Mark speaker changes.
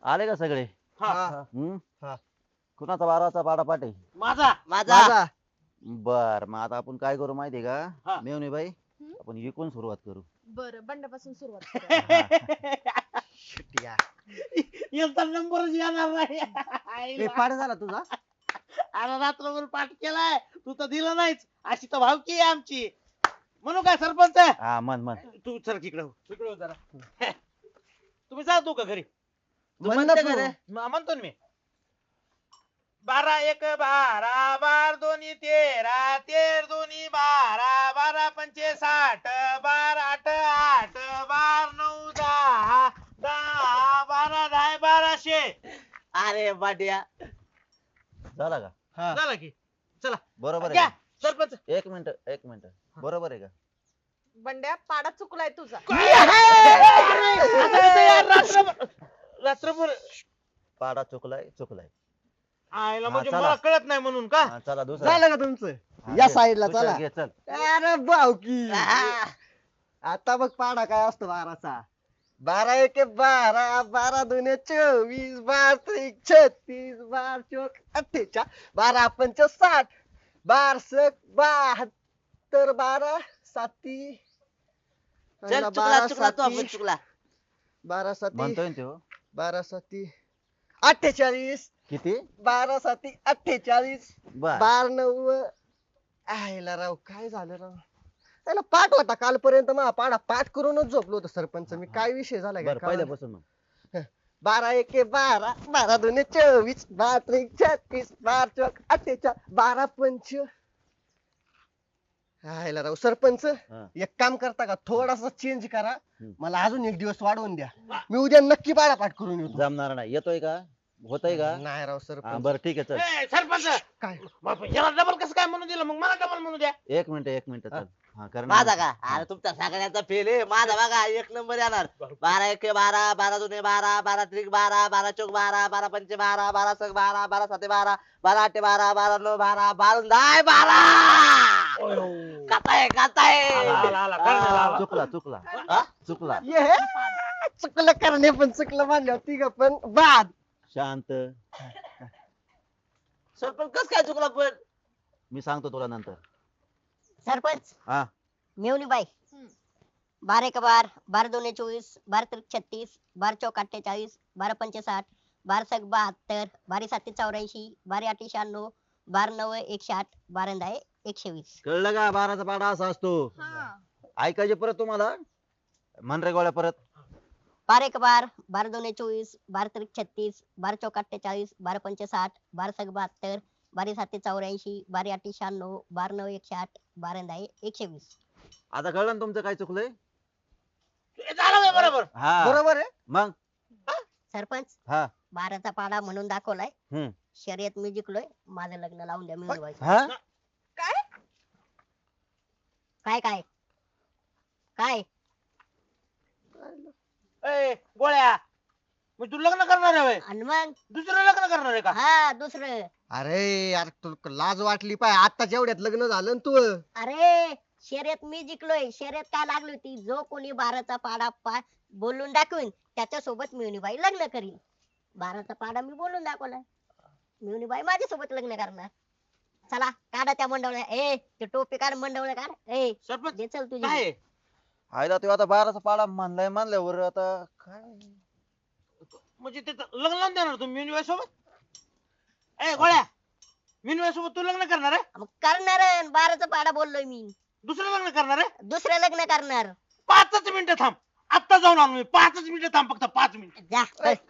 Speaker 1: आले का सगळे?
Speaker 2: हा
Speaker 1: हम्म
Speaker 3: हा.
Speaker 1: कुणाचा बाराचा पाडापाट आहे?
Speaker 2: माझा
Speaker 3: माझा
Speaker 1: बर, मग आता आपण काय करू माहितीये
Speaker 2: हा.
Speaker 1: का मेवणे बाई?
Speaker 4: हम्म.
Speaker 1: आपण इकून सुरुवात करू.
Speaker 4: बरं बंडापासून सुरुवात करूया.
Speaker 3: शिट्या.
Speaker 2: यांचा नंबरच येणार नाही
Speaker 3: ए पाड झाला तुझा.
Speaker 2: अरे रात्रभर पाठ केलाय तू तर दिला नाहीच. अशी तर भावकी आहे आमची. म्हणू काय सरपंच?
Speaker 1: हा मन मन.
Speaker 2: तू चल तिकडे हो. तिकडे हो जरा. तुम्ही जातो का घरी?
Speaker 3: म्हण ना
Speaker 2: म्हणते
Speaker 3: तू.
Speaker 2: का रे? म्हणतो ना मी. 12 1 12 12 दोन्ही 13 13 दोन्ही 12 12 पंचे 60 12 8 8 12 9 10 10 12 10 1200.
Speaker 5: अरे बाट्या
Speaker 1: झाला का?
Speaker 3: हा.
Speaker 2: झालं की चला
Speaker 1: बरोबर
Speaker 2: घ्या
Speaker 1: आहे का?
Speaker 2: सरपंच.
Speaker 1: एक मिनिट बरोबर आहे का?
Speaker 4: बंड्या पाडा चुकलाय तुझा.
Speaker 2: आता कसं यार रात्रभर रात्रभर
Speaker 1: पाडा चुकलाय.
Speaker 2: आयला
Speaker 1: हा,
Speaker 2: म्हणजे
Speaker 1: चला.
Speaker 2: मला कळत नाही म्हणून का?
Speaker 1: हा, चला दुसरा.
Speaker 3: झालं का तुमचं?
Speaker 1: हा,
Speaker 3: या
Speaker 1: घे.
Speaker 3: साईडला
Speaker 1: दुसरा
Speaker 3: चला.
Speaker 1: घे, चल.
Speaker 3: अरे भावकी. आता बघ पाडा काय असतो 12चा. 12 1 12 12 2 24 12 3 36 12 चौक 48 12 पंच 60 12 सक 72 12 साती
Speaker 5: चल चुकला चुकला तू आपण चुकला
Speaker 3: 12 साती
Speaker 1: म्हणतोय ना त्यो.
Speaker 3: 12 साती 48
Speaker 1: किती?
Speaker 3: 12 साती 48
Speaker 1: बर
Speaker 3: 12 9 आयला राव काय झालं राव त्याला पाठ होता कालपर्यंत मग पाडा पाठ करूनच झोपलो होतो सरपंच मी काय विषय झाला
Speaker 1: बर पहिल्यापासून मग.
Speaker 3: 12 1 12 12 2 24 12 3 36 12 चौक 48 12 पंच आयला राव सरपंच
Speaker 1: हा.
Speaker 3: एक काम करता का थोडासा चेंज करा
Speaker 1: हम्म.
Speaker 3: मला अजून एक दिवस वाढवून द्या मी उद्या नक्की पाडा पाठ करून येतो
Speaker 1: जमणार नाही. येतोय का? होतय का?
Speaker 3: नाही राव
Speaker 1: हा
Speaker 3: सरपंच
Speaker 1: बर ठीक आहे चल.
Speaker 2: ए, सरपंच
Speaker 3: काय
Speaker 2: बाप, याला डबल कसं काय म्हणून दिलं? मग मला डबल म्हणू द्या.
Speaker 1: एक मिनिट चल. हा कर ना.
Speaker 5: माझा का अरे तुमचा सगळ्यांचा फेल आहे माझा बघा एक नंबर येणार 12 1 12 12 2 12 12 3 12 12 चौक 12 12 पंच 12 12 सक 12 12 साते 12 12 8 12 12 9 12 12 10 12 काताय
Speaker 2: आला, आला, कर्णाला आला.
Speaker 1: चुकला.
Speaker 3: ये चुकलं करणे पण चुकलं मानलं तिघ पण बाद
Speaker 1: शांत.
Speaker 5: सरपंच कस काय चुकला पण
Speaker 1: मी सांगतो तुला नंतर.
Speaker 6: सरपंच
Speaker 1: हा
Speaker 6: मेवणी बाई
Speaker 4: हम्म.
Speaker 6: 12 1 12 12 2 24 12 3 36 12 चौक 48 12 पंच 60 12 सक 72 12 साते 84 12 8 96 12 9 108 12 10 120
Speaker 1: कळलं का? बाराचा पाडा असा असतो.
Speaker 4: हा.
Speaker 1: ऐकायचे परत तुम्हाला? मन रे गोळ्या परत.
Speaker 6: 12 1 12 12 2 24 12 3 36 12 चौक 48 12 पंच 60 12 सक 72 12 साते 84 12 8 96 12 9 108 12 10 120
Speaker 1: आता कळलं ना तुमचं काय चुकलंय?
Speaker 2: हे झालं बे बरोबर.
Speaker 1: हा
Speaker 3: बरोबर आहे
Speaker 1: मग.
Speaker 6: सरपंच
Speaker 1: हा
Speaker 6: 12चा पाडा म्हणून दाखवलाय
Speaker 1: हम्म.
Speaker 6: शर्यत मी जिंकलोय माझं लग्न लावून द्या मी उभा आहे.
Speaker 1: हा
Speaker 4: काय?
Speaker 6: काय काय काय
Speaker 2: ए गोळ्या मग तू लग्न करणार आहे होय?
Speaker 6: आणि मग
Speaker 2: दुसरं लग्न करणार आहे का?
Speaker 6: हा दुसरं
Speaker 3: अरे यार तुला लाज वाटली पाय आता जेवढ्यात लग्न झालं ना तू
Speaker 6: अरे शर्यत मी जिंकलोय शर्यत काय लागली होती जो कोणी 12चा पाडा बोलून दाखवीन त्याच्या सोबत मिळणीबाई लग्न करीन 12चा पाडा मी बोलून दाखवलाय मिळणीबाई माझ्यासोबत लग्न करणार चला काढा त्या मंडवल्या ए ते टोपी काढ मंडवल्या काढ ए
Speaker 2: सरपंच
Speaker 6: दे चल तुझी
Speaker 2: काय आहे?
Speaker 1: आयला तो आता बाराचा पाडा मानल्यावर आता काय?
Speaker 2: म्हणजे ते लग्न लावून देणार तुम्ही मिनवाय सोबत? ए गोळ्या मिनवाय सोबत तू लग्न करणार आहे?
Speaker 6: मग करणार 12चा पाडा बोललोय मी
Speaker 2: दुसरं लग्न करणार आहे?
Speaker 6: दुसरं लग्न करणार
Speaker 2: 5च मिनिटं थांब. आत्ता जाऊन आणू मी. 5च मिनिटं थांब, फक्त 5 मिनिटं.
Speaker 6: जा
Speaker 3: ए,